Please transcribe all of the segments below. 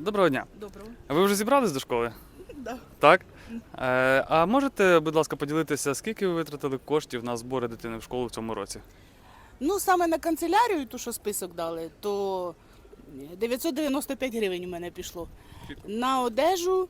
Доброго дня. Доброго. Ви вже зібрались до школи? Да. Так? А можете, будь ласка, поділитися, скільки ви витратили коштів на збори дитини в школу в цьому році? Ну, саме на канцелярію, ту, що список дали, то 995 гривень у мене пішло. На одежу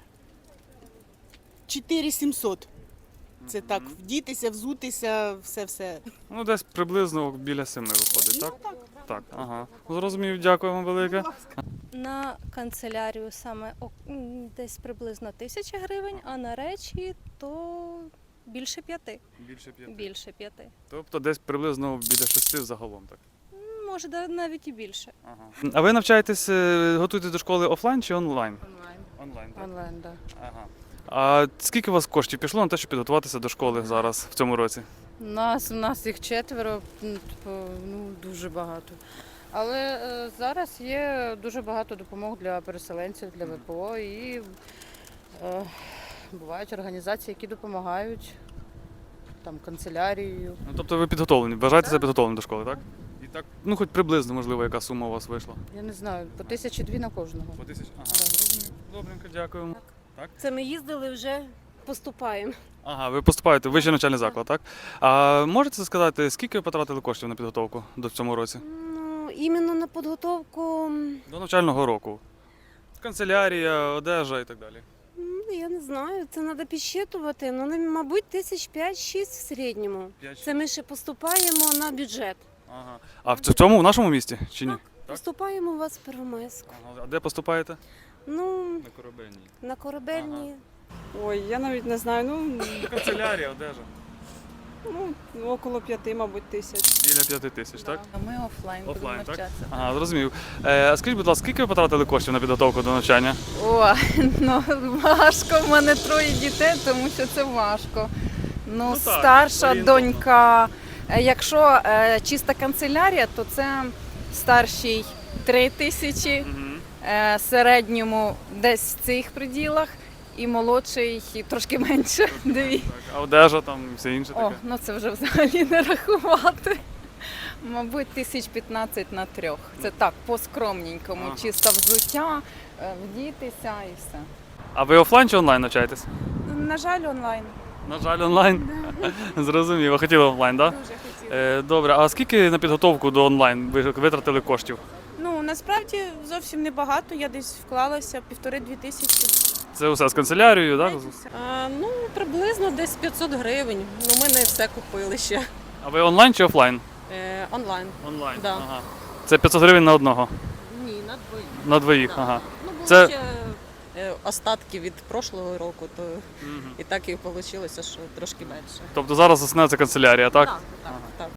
4700. Це так, вдітися, взутися, все-все. Ну, десь приблизно біля 7 виходить, так? Так, ага. Зрозумів, дякую вам велике. На канцелярію саме десь приблизно 1000 гривень, а на речі то більше 5. Більше 5. Більше 5. Тобто десь приблизно біля 6 загалом, так? Може, навіть і більше. Ага. А ви навчаєтесь, готуєтесь до школи офлайн чи онлайн? Онлайн. Онлайн, так? Онлайн, так. Ага. А скільки у вас коштів пішло на те, щоб підготуватися до школи зараз, в цьому році? У нас їх 4, дуже багато. Але зараз є дуже багато допомог для переселенців, для ВПО і бувають організації, які допомагають там канцелярією. Ну, тобто ви підготовлені, вважаєте себе підготовленим до школи, так? І так, ну хоч приблизно, можливо, яка сума у вас вийшла? Я не знаю, по 1002 на кожного. По 1000? Ага, Так. зрозумів. Добренько, дякуємо. Це ми їздили, вже поступаємо. Ага, ви поступаєте в вищий навчальний заклад, так? А можете сказати, скільки ви потратили коштів на підготовку до цьому році? Ну, іменно на підготовку, До навчального року. Канцелярія, одежа і так далі. я не знаю, це треба підсчитувати. Ну, мабуть, 5-6 в середньому. Це ми ще поступаємо на бюджет. Ага. А в цьому, в нашому місті чи ні? Так. Поступаємо у вас в Первомайську. Ага. А де поступаєте? Ну, На корабельній. на корабельні. Ой, я навіть не знаю, Канцелярія, одежа. около 5, мабуть, тисяч. Біля 5000, так? А ми офлайн будемо Офлайн, так? навчатися. Ага, зрозумів. А скажіть, будь ласка, скільки ви потратили коштів на підготовку до навчання? О, ну важко, в мене 3 дітей, тому що це важко. Ну, так, Старша орієнтовно. донька, якщо чиста канцелярія, то це старшій 3000, середньому десь в цих приділах, і молодший трошки менше. 2. Так, а одежа там і все інше О, таке? ну це вже взагалі не рахувати. Мабуть, 1015 на 3. Це так, по-скромненькому, Ага. чисто взуття, вдітися і все. А ви офлайн чи онлайн навчаєтесь? На жаль, онлайн. На жаль, онлайн. Зрозуміло. Хотіли офлайн, так? Дуже хотіла. Добре, а скільки на підготовку до онлайн ви витратили коштів? Ну, насправді зовсім небагато, я десь вклалася 1,5-2 тисячі. Це усе з канцелярією, так? Ну, приблизно десь 500 гривень. Ну, ми не все купили ще. А ви онлайн чи офлайн? Онлайн. Онлайн. Да. Ага. Це 500 гривень на одного? Ні, на двоїх. На двоїх, Да. ага. Ну, були Це- ще остатки від прошлого року, то і так і вийшло, що трошки менше. Тобто зараз основне це канцелярія, так? Так.